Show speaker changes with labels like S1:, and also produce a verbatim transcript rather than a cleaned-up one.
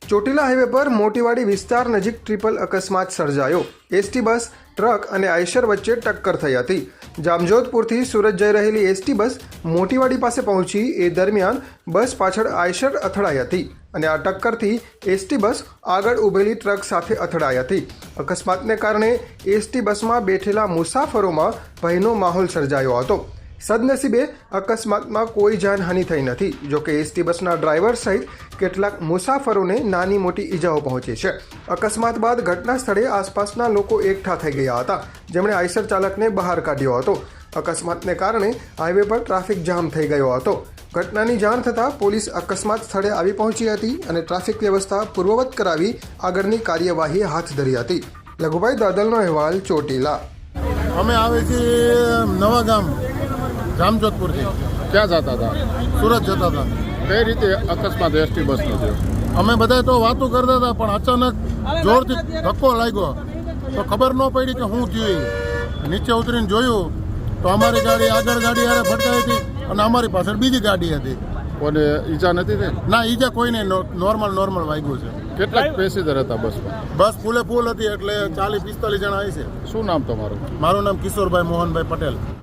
S1: Chotila highway પર મોટીવાડી વિસ્તાર નજીક ટ્રિપલ અકસ્માત સર્જાયો। એસટી બસ ટ્રક અને આઈશર વચ્ચે ટક્કર થઈ હતી। જામજોધપુરથી સુરત જઈ રહેલી એસટી બસ મોટીવાડી પાસે પહોંચી એ દરમિયાન બસ પાછળ આઈશર અથડાઈ હતી અને આ ટક્કરથી એસટી બસ આગળ ઊભેલી ટ્રક સાથે અથડાઈ હતી। અકસ્માતને કારણે એસટી બસમાં બેઠેલા મુસાફરોમાં ભયનો માહોલ સર્જાયો હતો। સદનસીબે અકસ્માતમાં કોઈ જાનહાનિ થઈ નથી। જોકે એસટી બસના ડ્રાઈવર સહિત કેટલાક મુસાફરોને નાની મોટી ઈજાઓ પહોંચી છે। અકસ્માત બાદ ઘટના સ્થળે આસપાસના લોકો એકઠા થઈ ગયા હતા, જેમણે આઈશર ચાલકને બહાર કાઢ્યો હતો। અકસ્માતને કારણે હાઈવે પર ટ્રાફિક જામ થઈ ગયો હતો। ઘટનાની જાણ થતાં પોલીસ અકસ્માત સ્થળે આવી પહોંચી હતી અને ટ્રાફિક વ્યવસ્થા પૂર્વવત કરાવી આગળની કાર્યવાહી હાથ ધરી હતી। લઘુભાઈ દાદલનો અહેવાલ, ચોટીલા।
S2: અમે આવે છીએ નવા ગામ જામજોધપુર થી।
S3: ક્યાં જતા હતા?
S2: સુરત જતા હતા।
S3: કઈ રીતે અકસ્માત એસટી બસનો થયો?
S2: અમે બધા તો વાતો કરતા હતા, પણ અચાનક જોરથી ધક્કો લાગ્યો તો ખબર ન પડી કે શું થયું। નીચે ઉતરીને જોયું તો અમારી ગાડી આગળ ગાડી હારે ફટકાઈ હતી અને અમારી પાછળ બીજી ગાડી હતી।
S3: કોને ઈજા નથી થઈ?
S2: ના, ઈજા કોઈને નોર્મલ નોર્મલ વાગ્યું છે।
S3: કેટલાક પેસેન્જર હતા બસમાં?
S2: બસ ફૂલે ફૂલ હતી, એટલે ચાલીસ પિસ્તાલીસ જણા આવી છે।
S3: શું નામ તમારું?
S2: મારું નામ કિશોરભાઈ મોહનભાઈ પટેલ।